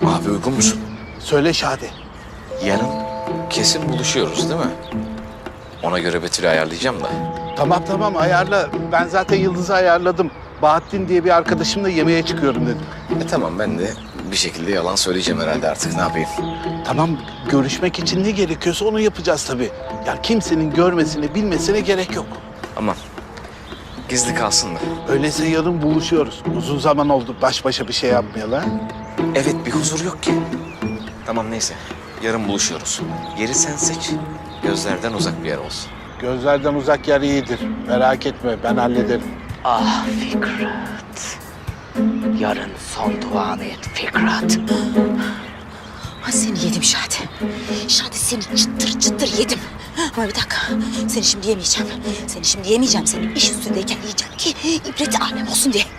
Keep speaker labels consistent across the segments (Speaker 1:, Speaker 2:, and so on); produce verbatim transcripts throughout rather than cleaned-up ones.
Speaker 1: Abi uygun musun?
Speaker 2: Söyle Şadi.
Speaker 1: Yarın kesin buluşuyoruz değil mi? Ona göre Betül'ü ayarlayacağım da.
Speaker 2: Tamam tamam ayarla. Ben zaten Yıldız'ı ayarladım. Bahattin diye bir arkadaşımla yemeğe çıkıyorum dedim.
Speaker 1: E tamam, ben de bir şekilde yalan söyleyeceğim herhalde, artık ne yapayım?
Speaker 2: Tamam, görüşmek için ne gerekiyorsa onu yapacağız tabii. Ya kimsenin görmesine, bilmesine gerek yok.
Speaker 1: Aman gizli kalsın da.
Speaker 2: Öyleyse yarın buluşuyoruz. Uzun zaman oldu baş başa bir şey yapmayalı ha?
Speaker 1: Evet, bir huzur yok ki. Tamam neyse, yarın buluşuyoruz. Yeri sen seç. Gözlerden uzak bir yer olsun.
Speaker 2: Gözlerden uzak yer iyidir. Merak etme, ben hallederim.
Speaker 3: Ah Fikret. Yarın son duanı et Fikret.
Speaker 4: Ha seni yedim Şadi. Şadi seni çıtır çıtır yedim. Ama bir dakika, seni şimdi yemeyeceğim. Seni şimdi yemeyeceğim, seni iş üstündeyken yiyeceğim ki ibreti alem olsun diye.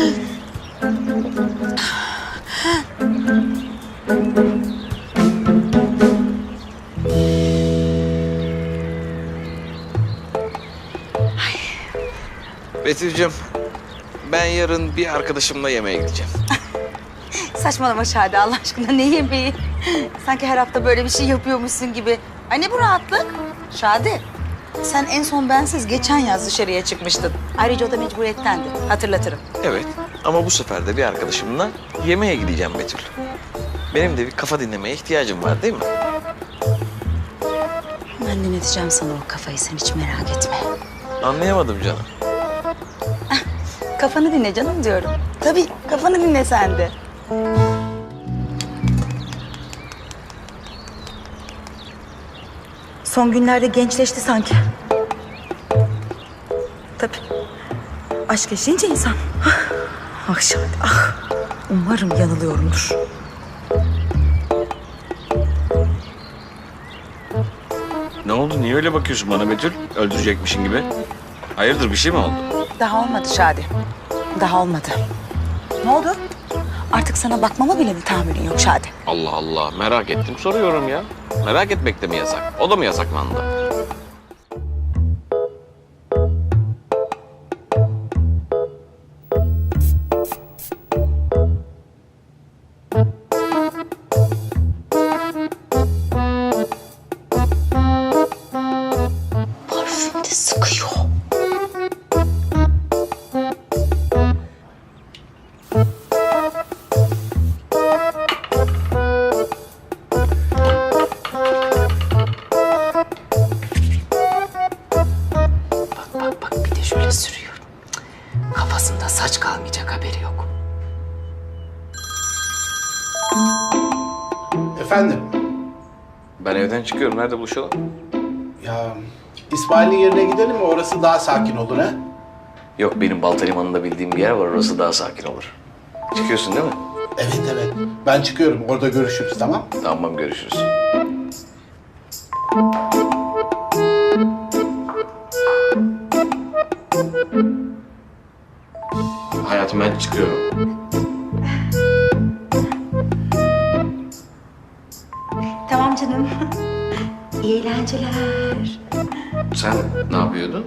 Speaker 1: Betül'cüğüm, ben yarın bir arkadaşımla yemeğe gideceğim.
Speaker 4: Saçmalama Şadi, Allah aşkına ne yemeği? Sanki her hafta böyle bir şey yapıyormuşsun gibi. Ay ne bu rahatlık? Şadi, sen en son bensiz geçen yaz dışarıya çıkmıştın. Ayrıca o da mecburiyettendi, hatırlatırım.
Speaker 1: Evet, ama bu sefer de bir arkadaşımla yemeğe gideceğim Betül. Benim de bir kafa dinlemeye ihtiyacım var değil mi?
Speaker 4: Ben dinleteceğim sana o kafayı, sen hiç merak etme.
Speaker 1: Anlayamadım canım.
Speaker 4: Kafanı dinle canım diyorum. Tabii, kafanı dinle sen de. Son günlerde gençleşti sanki. Tabii. Aşk yaşayınca insan. Ah Şadi, ah. Umarım yanılıyorumdur.
Speaker 1: Ne oldu? Niye öyle bakıyorsun bana Betül? Öldürecekmişin gibi. Hayırdır, bir şey mi oldu?
Speaker 4: Daha olmadı Şadi. Daha olmadı. Ne oldu? Artık sana bakmama bile mi tahammülün yok Şadi?
Speaker 1: Allah Allah, merak ettim soruyorum ya. Merak etmek de mi yasak? O da mı yasaklandı?
Speaker 4: Parfüm de sıkıyor.
Speaker 3: Bak bak bir de şöyle sürüyor. Cık, kafasında saç kalmayacak, haberi yok.
Speaker 2: Efendim?
Speaker 1: Ben evden çıkıyorum. Nerede buluşalım?
Speaker 2: Ya İsmail'in yerine gidelim mi? Orası daha sakin olur ha?
Speaker 1: Yok, benim Balta Limanı'nda bildiğim bir yer var. Orası daha sakin olur. Çıkıyorsun değil mi?
Speaker 2: Evet evet. Ben çıkıyorum. Orada görüşürüz, tamam?
Speaker 1: Tamam, görüşürüz. Hayatım, ben çıkıyorum.
Speaker 4: Tamam canım. İyi eğlenceler.
Speaker 1: Sen ne yapıyordun?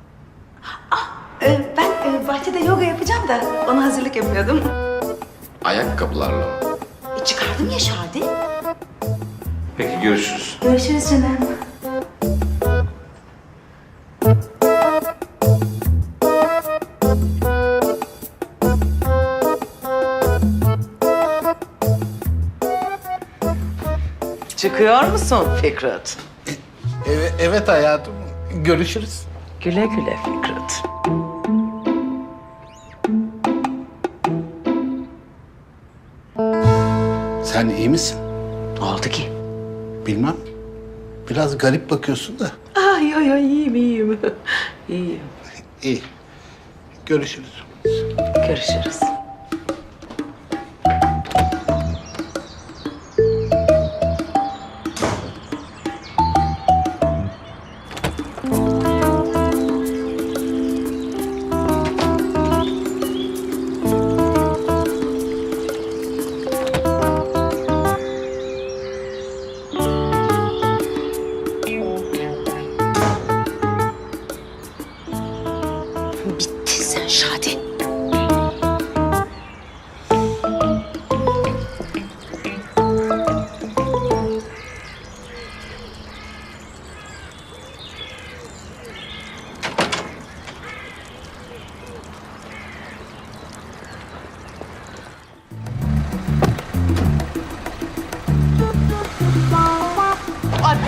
Speaker 4: Ee, ben e, bahçede yoga yapacağım da ona hazırlık yapıyordum.
Speaker 1: Ayakkabılarla mı?
Speaker 4: E, çıkardım ya Şadi.
Speaker 1: Peki, görüşürüz.
Speaker 4: Görüşürüz canım.
Speaker 3: Çıkıyor musun Fikret?
Speaker 2: Evet, evet hayatım. Görüşürüz.
Speaker 3: Güle güle Fikret.
Speaker 2: Sen iyi misin?
Speaker 3: Ne oldu ki?
Speaker 2: Bilmem. Biraz garip bakıyorsun da.
Speaker 3: Ay ay ay, iyiyim iyiyim. İyiyim.
Speaker 2: İyi. Görüşürüz.
Speaker 3: Görüşürüz.
Speaker 4: Bittin sen Şadi.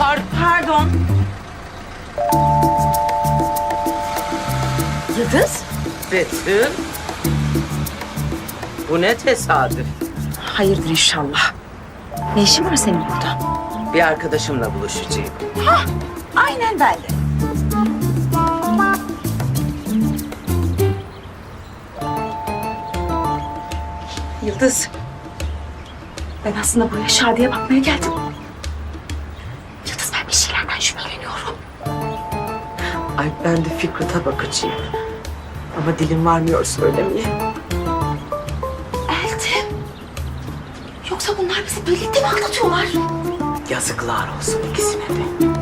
Speaker 3: var.
Speaker 4: Pardon. Yıldız?
Speaker 3: Betül. Bu ne tesadüf.
Speaker 4: Hayırdır inşallah. Ne işin var senin burada?
Speaker 3: Bir arkadaşımla buluşacağım.
Speaker 4: Aynen ben de. Yıldız. Ben aslında buraya Şadi'ye bakmaya geldim. Yıldız ben bir şeylerden şüpheleniyorum.
Speaker 3: Ay ben de Fikret'e bakacağım. Ama dilim varmıyor söylemeye.
Speaker 4: Eltim. Yoksa bunlar bizi birlikte mi anlatıyorlar?
Speaker 3: Yazıklar olsun ikisine de.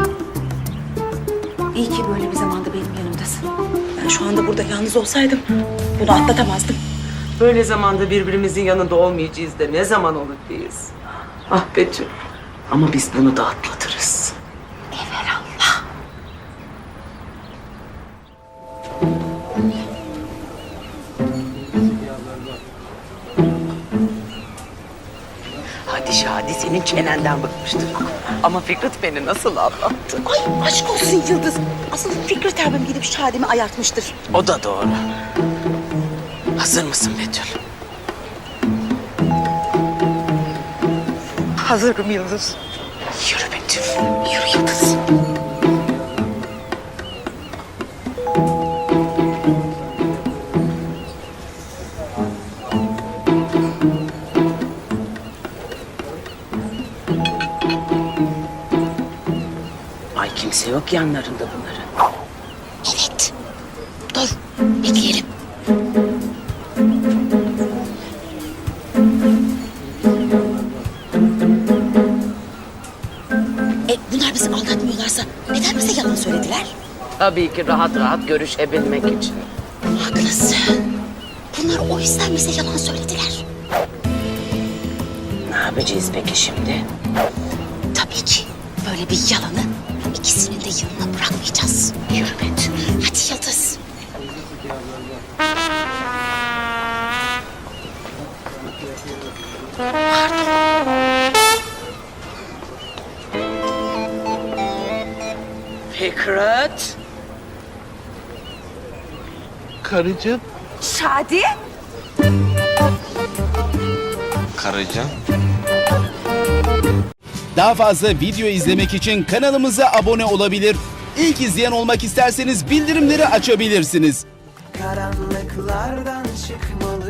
Speaker 4: İyi ki böyle bir zamanda benim yanımdasın. Ben şu anda burada yalnız olsaydım bunu atlatamazdım.
Speaker 3: Böyle zamanda birbirimizin yanında olmayacağız da ne zaman olur biz? Ah Betül. Ama biz bunu da atlatırız.
Speaker 4: Evelallah.
Speaker 3: Hadi Şadi senin çenenden bıkmıştır. Ama Fikret beni nasıl anlattı?
Speaker 4: Ay aşk olsun Yıldız. Asıl Fikret abim gidip Şadi'mi ayartmıştır.
Speaker 3: O da doğru. Hazır mısın Betül?
Speaker 4: Hazırım Yıldız.
Speaker 3: Yürü Betül.
Speaker 4: Yürü Yıldız.
Speaker 3: Ay kimse yok yanlarında bunların.
Speaker 4: Evet. Dur bekleyelim. E, bunlar bizi aldatmıyorlarsa neden bize yalan söylediler?
Speaker 3: Tabii ki rahat rahat görüşebilmek için.
Speaker 4: Haklısın. Bunlar o yüzden bize yalan söylediler.
Speaker 3: Ne yapacağız peki şimdi?
Speaker 4: Tabii ki böyle bir yalanı ikisinin de yanına bırakmayacağız. Yürü Betül. Hadi Yıldız.
Speaker 3: Fikret.
Speaker 2: Karıcığım.
Speaker 4: Şadi.
Speaker 1: Karıcığım.
Speaker 5: Daha fazla video izlemek için kanalımıza abone olabilir. İlk izleyen olmak isterseniz bildirimleri açabilirsiniz.
Speaker 6: Karanlıklardan çıkmalı